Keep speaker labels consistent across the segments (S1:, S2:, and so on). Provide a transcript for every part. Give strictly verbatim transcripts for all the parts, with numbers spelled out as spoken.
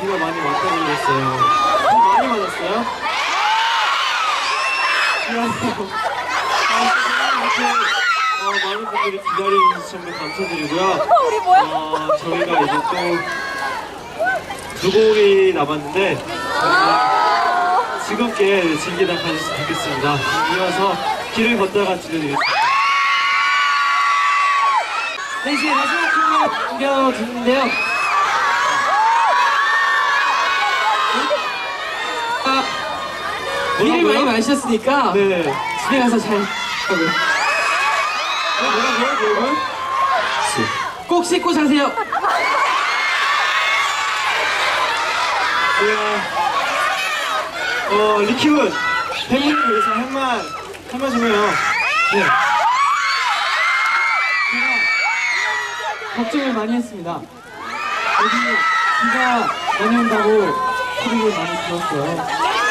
S1: 비가 많이 왔다고 그랬어요. 비 많이 맞았어요? 미안해요. 아, 이렇게 어, 많은 분들이 기다려주셔서 정말 감사드리고요.
S2: 우리 뭐야?
S1: 어, 저희가 이제 또 두 곡이 남았는데 저희가 즐겁게 즐기다 가셨으면 좋겠습니다. 이어서 길을 걷다가 들려드리겠습니다. 네, 이제 마지막 곡을 남겨두는데요. 아, 비를 많이 마셨으니까 네. 집에 가서 잘 하고요. 어, 뭐라고요, 여러분? 꼭 씻고 자세요. 어, 리키군 팬분을 위해서 한말 한말 좀 해요. 네. 제가 걱정을 많이 했습니다. 여기 비가 많이 온다고 소리를 많이 들었어요.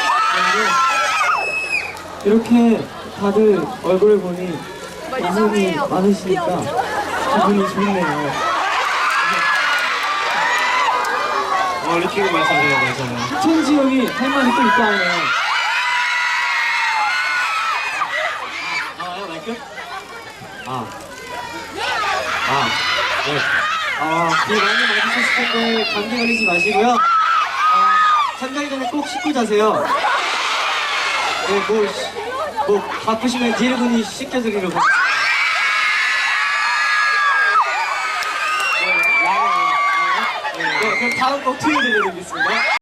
S1: 그런데 이렇게 다들 얼굴을 보니 웃음이 많으시니까 기분이 좋네요. 어, 리키군 말씀하세요, 맞아요. 천지 형이 할 말이 또 있다 하네요. 아, 마이크? 아. 아, 네. 아, 비 많이 맞으셨을 텐데 감기 걸리지 마시고요. 아, 잠자기 전에 꼭 씻고 자세요. 네, 뭐, 시- 뭐 바쁘시면 디엘군이 씻겨드리려고. 네, 그럼 다음 곡 트윈 들려드리겠습니다.